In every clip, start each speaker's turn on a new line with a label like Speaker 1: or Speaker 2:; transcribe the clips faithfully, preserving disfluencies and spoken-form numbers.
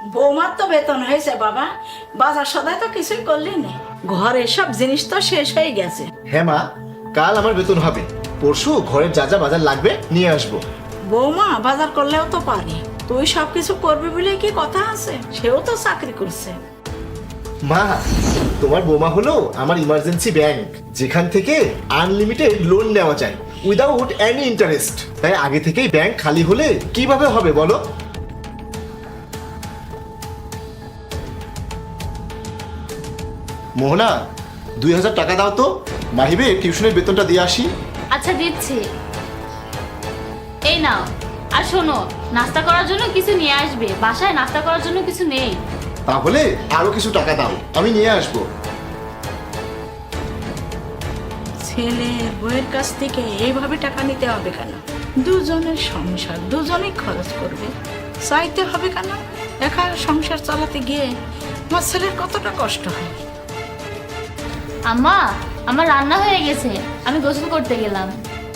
Speaker 1: বৌমার তো বেতন হয়েছে বাবা, বাজার সদাই তো কিছুই করলি না, ঘরের সব জিনিস তো শেষ হয়ে গেছে।
Speaker 2: হ্যাঁ মা, কাল আমার বেতন হবে, পরশু ঘরের যা যা বাজার লাগবে নিয়ে আসবো।
Speaker 1: বৌমা বাজার করলেও তো পারে, তুই সবকিছু করবি বলে কি কথা আছে? সেও তো চাকরি করছে।
Speaker 2: মা, তোমার বৌমা হলো আমার ইমার্জেন্সি ব্যাংক, যেখান থেকে আনলিমিটেড লোন নেওয়া যায় উইদাউট এনি ইন্টারেস্ট। তাই আগে থেকেই ব্যাংক খালি হলে কিভাবে হবে বলো? মোহনা, দুই হাজার টাকা দাও তো, মাহিবে টিউশনের বেতনটা দিয়ে আসি।
Speaker 3: আচ্ছা দিচ্ছি, এই নাও। আর শোনো, নাস্তা করার জন্য কিছু নিয়ে আসবে, বাসায় নাস্তা করার জন্য কিছু নেই।
Speaker 2: তাহলে আরো কিছু টাকা দাও, আমি নিয়ে আসবো।
Speaker 1: ছেলে বউয়ের কাছ থেকে এইভাবে টাকা নিতে হবে কেন? দুজনের সংসার, দুজনেই খরচ করবে, চাইতে হবে কেন? একা সংসার চালাতে গিয়ে আমার ছেলের কতটা কষ্ট হয়।
Speaker 3: আম্মা, আমার রান্না হয়ে গেছে, আমি গোসল করতে গেলাম।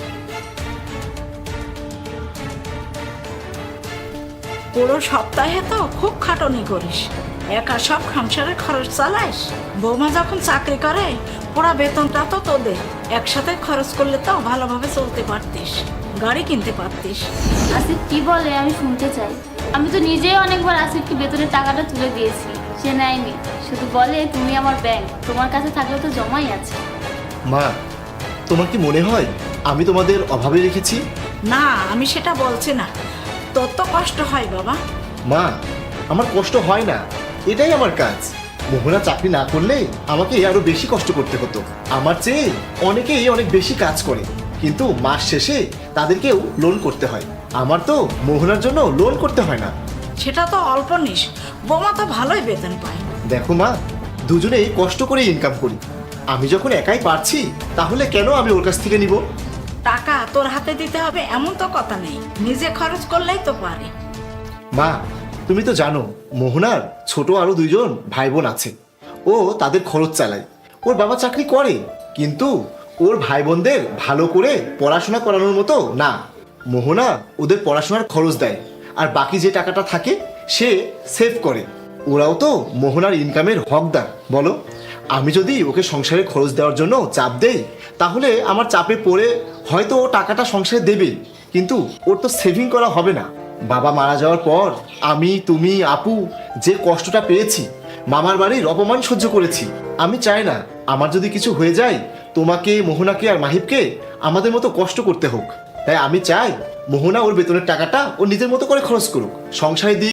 Speaker 1: পুরো সপ্তাহে তো খুব খাটনি করিস, একা সব সংসারের খরচ চালাইস। বৌমা যখন চাকরি করে পুরা বেতনটা তো তোদের, একসাথে খরচ করলে তো ভালোভাবে চলতে পারতিস, গাড়ি কিনতে পারতিস।
Speaker 3: আসিফ কি বলে আমি শুনতে চাই। আমি তো নিজেই অনেকবার আসিফকে বেতনের টাকাটা তুলে দিয়েছি, সে নেয়নি, শুধু বলে তুমি আমার ব্যাংক, তোমার কাছে থাকলে তো জমাই আছে।
Speaker 2: মা, তোমার কি মনে হয় আমি তোমাদের অভাবে রেখেছি?
Speaker 1: না, আমি সেটা বলছি না, তোর তো কষ্ট হয় বাবা।
Speaker 2: মা, আমার কষ্ট হয় না, এটাই আমার কাজ। মোহনা চাকরি না করলে আমাকে আরো বেশি কষ্ট করতে হতো। আমার চেয়ে অনেকেই অনেক বেশি কাজ করে, কিন্তু মাস শেষে তাদেরকেও লোন করতে হয়। আমার তো মোহনার জন্য লোন করতে হয় না।
Speaker 1: সেটা তো অল্প নিস, বৌমা তো ভালোই বেতন পায়।
Speaker 2: দেখো মা, দুজনেই কষ্ট করে ইনকাম করি। আমি যখন একাই পারছি, তাহলে কেন আমি ওর কাছ থেকে নিব?
Speaker 1: টাকা তোর হাতে দিতে হবে এমন তো কথা নেই, নিজে খরচ করলেই তো পারে।
Speaker 2: মা, তুমি তো জানো মোহনার ছোট আরো দুইজন ভাই বোন আছে, ও তাদের খরচ চালায়। ওর বাবা চাকরি করে, কিন্তু ওর ভাই বোনদের ভালো করে পড়াশোনা করানোর মতো না। মোহনা ওদের পড়াশোনার খরচ দেয়, আর বাকি যে টাকাটা থাকে সে সেভ করে। ওরাও তো মোহনার ইনকামের হকদার, বলো? আমি যদি ওকে সংসারে খরচ দেওয়ার জন্য চাপ দেই, তাহলে আমার চাপে পড়ে হয়তো ও টাকাটা সংসারে দেবে, কিন্তু ওর তো সেভিং করা হবে না। বাবা মারা যাওয়ার পর আমি, তুমি, আপু যে কষ্টটা পেয়েছি, মামার বাড়ির অপমান সহ্য করেছি। আমি চাই না আমার যদি কিছু হয়ে যায় তোমাকে, মোহনাকে আর মাহিবকে আমাদের মতো কষ্ট করতে হোক। তাই আমি চাই মোহনা ওর বেতনের টাকাটা ও নিজের মতো করে খরচ করুক, সংসারে দিয়ে